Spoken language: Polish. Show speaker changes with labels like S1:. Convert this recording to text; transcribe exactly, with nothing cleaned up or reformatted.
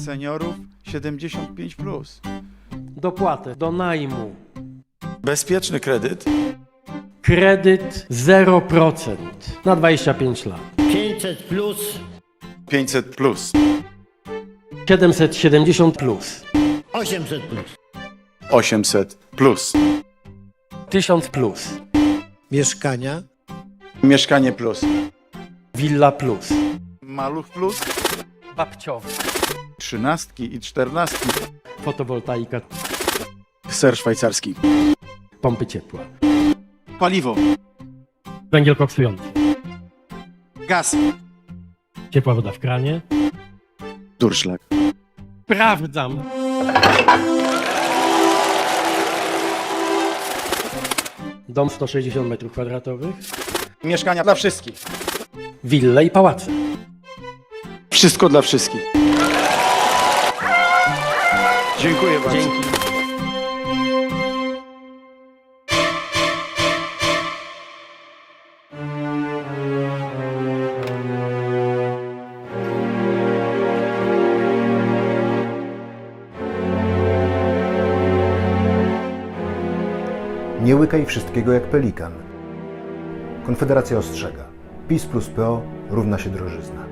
S1: seniorów siedemdziesiąt pięć plus.
S2: Dopłatę do najmu.
S1: Bezpieczny kredyt.
S2: Kredyt zero procent na dwadzieścia pięć lat.
S3: pięćset plus,
S1: pięćset plus.
S2: siedemset siedemdziesiąt plus.
S3: osiemset plus.
S1: osiemset plus.
S2: tysiąc plus.
S4: Mieszkania,
S1: Mieszkanie plus.
S2: Willa plus.
S1: Maluch plus.
S2: Babciowy.
S1: Trzynastki i czternastki.
S2: Fotowoltaika.
S1: Ser szwajcarski.
S2: Pompy ciepła.
S1: Paliwo.
S2: Węgiel koksujący.
S1: Gaz.
S2: Ciepła woda w kranie.
S1: Durszlak.
S2: Sprawdzam. Dom sto sześćdziesiąt metrów kwadratowych.
S1: Mieszkania dla wszystkich.
S2: Wille i pałace.
S1: Wszystko dla wszystkich. Dziękuję bardzo.
S2: Dzięki.
S5: Nie łykaj wszystkiego jak pelikan. Konfederacja ostrzega. PiS plus P O równa się drożyzna.